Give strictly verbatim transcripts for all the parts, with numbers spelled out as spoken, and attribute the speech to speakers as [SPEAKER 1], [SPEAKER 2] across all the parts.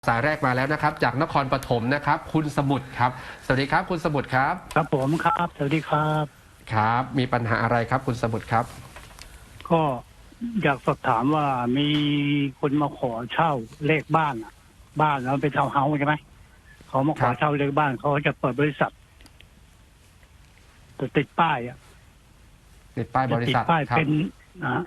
[SPEAKER 1] สายแรกมาแล้วนะครับจากนครปฐมนะครับคุณสมุทรครับสวัสดีครับคุณสมุทรครับ
[SPEAKER 2] ครับผมครับสวัสดีครับ
[SPEAKER 1] ครับมีปัญหาอะไรครับคุณสมุทรครับ
[SPEAKER 2] ก็อยากสอบถามว่ามีคนมาขอเช่าเลขบ้านอะบ้านแล้วเป็นทาวน์เฮาส์ใช่ไหมเขามาขอเช่าเลขบ้านเขาจะเปิดบริษัทจะติดป้ายอ่ะ
[SPEAKER 1] ติดป้ายบริษัท
[SPEAKER 2] จะติดป้ายเป็นนะ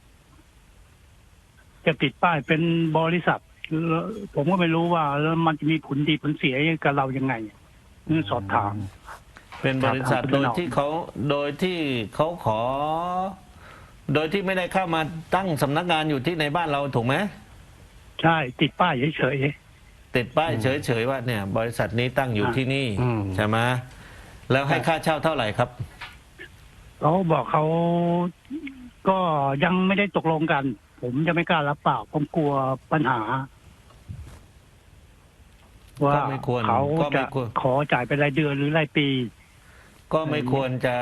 [SPEAKER 2] จะติดป้ายเป็นบริษัทผมก็ไม่รู้ว่าแล้วมันจะมีผลดีผลเสียกับเรายังไงนี่สอบถาม
[SPEAKER 3] เป็นบริษัทโดยที่เขาโดยที่เขาขอ โดยที่ไม่ได้เข้ามาตั้งสำนักงานอยู่ที่ในบ้านเราถูกไหม
[SPEAKER 2] ใช่ติดป้ายเฉย
[SPEAKER 3] ๆติดป้ายเฉยๆว่าเนี่ย บริษัทนี้ตั้งอยู่ที่นี่ใช่ไหมแล้วให้ค่าเช่าเท่าไหร่ครับ
[SPEAKER 2] เขาบอกเขาก็ยังไม่ได้ตกลงกัน ผมจะไม่กล้ารับปากผมกลัวปัญหาว่าเขาจะขอจ่ายเป็นรายเดือนหรือรายปี
[SPEAKER 3] ก็ไม่ควรจะ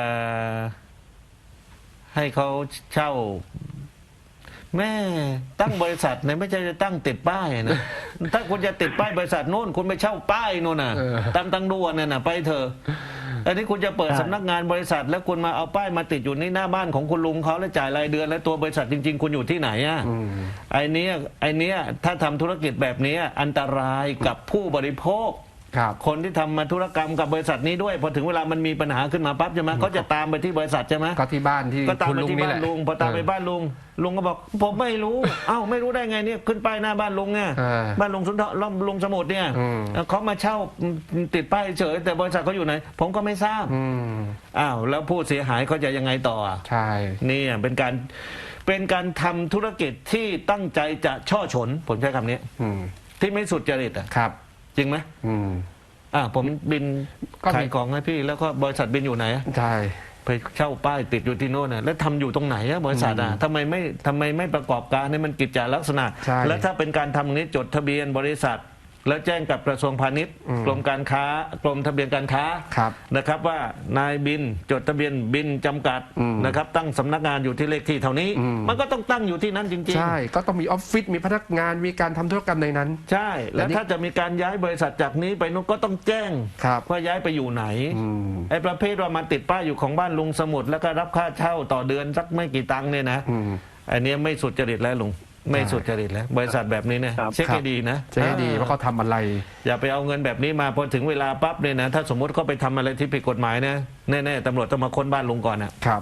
[SPEAKER 3] ให้เขาเช่าแม่ตั้งบริษัทเนี่ยไม่ใช่จะตั้งติดป้ายนะถ้าคุณจะติดป้ายบริษัทโน่นคุณไปเช่าป้ายโน่นน่ะตามตังด่วนน่ะไปเถอะอันนี้คุณจะเปิดสำนักงานบริษัทแล้วคุณมาเอาป้ายมาติดอยู่ในหน้าบ้านของคุณลุงเขาแล้วจ่ายรายเดือนแล้วตัวบริษัทจริงๆคุณอยู่ที่ไหนอ่ะไอ้นี้ไอ้นี้ถ้าทำธุรกิจแบบนี้อันตรายกับผู้บริโภคคนที่ทำมาธุรกรรมกับบริษัทนี้ด้วยพอถึงเวลามันมีปัญหาขึ้นมาปั๊บใช่ไหมเขาจะตามไปที่บริษัทใช่ไหม
[SPEAKER 1] ก็ที่บ้านที่
[SPEAKER 3] ก็ตามไปที่บ้านลุงพอตามไปบ้านลุงลุงก็บอกผมไม่รู้เอ้าไม่รู้ได้ไงเนี่ยขึ้นป้ายหน้าบ้านลุงไงบ้านลุงสุนทรลุงสมุทรเนี่ยเขามาเช่าติดป้ายเฉยแต่บริษัทเขาอยู่ไหนผมก็ไม่ทราบอ้าวแล้วผู้เสียหายเขาจะยังไงต่อ
[SPEAKER 1] ใช่
[SPEAKER 3] นี่เป็นการเป็นการทำธุรกิจที่ตั้งใจจะช่อฉนผมใช้คำนี้ที่ไม่สุจริตอ่ะ
[SPEAKER 1] ครับ
[SPEAKER 3] จริงไหมอืมอ่าผมบินขายของให้พี่แล้วก็บริษัทบินอยู่ไหน
[SPEAKER 1] ใช่
[SPEAKER 3] ไปเช่าป้ายติดอยู่ที่โน่นนะแล้วทำอยู่ตรงไหนอะบริษัทอ่ะทำไมไม่ทำไมไม่ประกอบการให้มันกิจจลักษณะแล้วถ้าเป็นการทำนี้จดทะเบียนบริษัทแล้วแจ้งกับกระทรวงพาณิชย์กรมการค้ากรมทะเบียนการค้านะครับว่านายบินจดทะเบียนบินจำกัดนะครับตั้งสำนักงานอยู่ที่เลขที่เท่านี้มันก็ต้องตั้งอยู่ที่นั้นจริง
[SPEAKER 1] ๆใช่ก็ต้องมีออฟฟิศมีพนักงานมีการทำธุรกรรมในนั้น
[SPEAKER 3] ใช่แล้วถ้าจะมีการย้ายบริษัทจากนี้ไปนู้นก็ต้องแจ้งว่าย้ายไปอยู่ไหนไอ้ประเภทว่ามันติดป้ายอยู่ของบ้านลุงสมุทรแล้วก็รับค่าเช่าต่อเดือนสักไม่กี่ตังค์เนี่ยนะอันนี้ไม่สุจริตแล้วลุงไม่สุจริตแล้วบริษัทแบบนี้เนี่ยเช็คให้ดีนะ
[SPEAKER 1] เช็คให้ดีว่าเขาทำอะไร
[SPEAKER 3] อย่าไปเอาเงินแบบนี้มาพอถึงเวลาปั๊บเนี่ยนะถ้าสมมติเขาไปทำอะไรที่ผิดกฎหมายนะแน่ๆตำรวจต้องมาค้นบ้านลุงก่อนนะครับ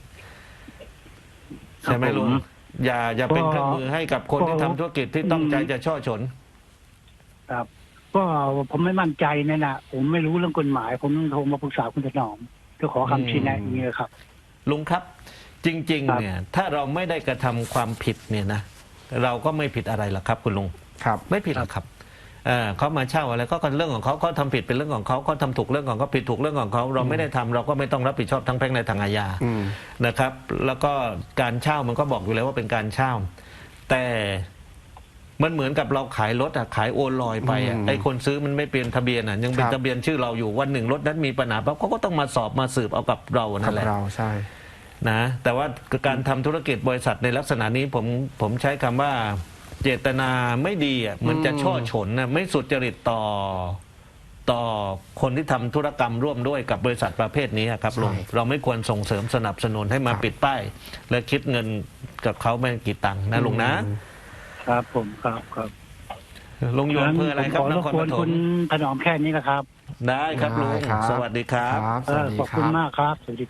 [SPEAKER 3] ใช่ไหมลุงอย่าอย่าเป็นเครื่องมือให้กับคนที่ทำธุรกิจที่ต้องใจจะช่อฉน
[SPEAKER 2] ครับก็ผมไม่มั่นใจเนี่ยนะผมไม่รู้เรื่องกฎหมายผมโทรมาปรึกษาคุณถนอมก็ขอคำชี้แนะอย่างนี้ครับ
[SPEAKER 3] ลุงครับจริงๆเนี่ยถ้าเราไม่ได้กระทำความผิดเนี่ยนะเราก็ไม่ผิดอะไรหรอกครับคุณลุง
[SPEAKER 1] ครับ
[SPEAKER 3] ไม่ผิดหรอกครับเขามาเช่าอะไรก็เป็นเรื่องของเขาเขาทำผิดเป็นเรื่องของเขาเขาทำถูกเรื่องของเขาผิดถูกเรื่องของเขาเราไม่ได้ทำเราก็ไม่ต้องรับผิดชอบทั้งแพ่งและทางอาญานะครับแล้วก็การเช่ามันก็บอกอยู่แล้วว่าเป็นการเช่าแต่มันเหมือนกับเราขายรถอะขายโอนลอยไปอะไอ้คนซื้อมันไม่เปลี่ยนทะเบียนอะยังเป็นทะเบียนชื่อเราอยู่วันหนึ่งรถนั้นมีปัญหาปั๊บเขาก็ต้องมาสอบมาสืบเอากับเรานั่นแหละ
[SPEAKER 1] เราใช่
[SPEAKER 3] นะแต่ว่าการทำธุรกิจบริษัทในลักษณะนี้ผมผมใช้คำว่าเจตนาไม่ดีอ่ะเหมือนจะช่อฉนนะไม่สุจริตต่อต่อคนที่ทำธุรกรรมร่วมด้วยกับบริษัทประเภทนี้ครับลุงเราไม่ควรส่งเสริมสนับสนุนให้มาปิดป้ายและคิดเงินกับเขาไม่กี่ตังค์นะลุงนะครับ
[SPEAKER 2] ผมครับครับ
[SPEAKER 3] ลุงอยู่อำเภออะไรครับนครปฐม
[SPEAKER 2] คุณถนอมแค่นี้นะครับ
[SPEAKER 3] ได้ครับลุงสวัสดีครับ
[SPEAKER 2] ขอบคุณมากครับสวัสดี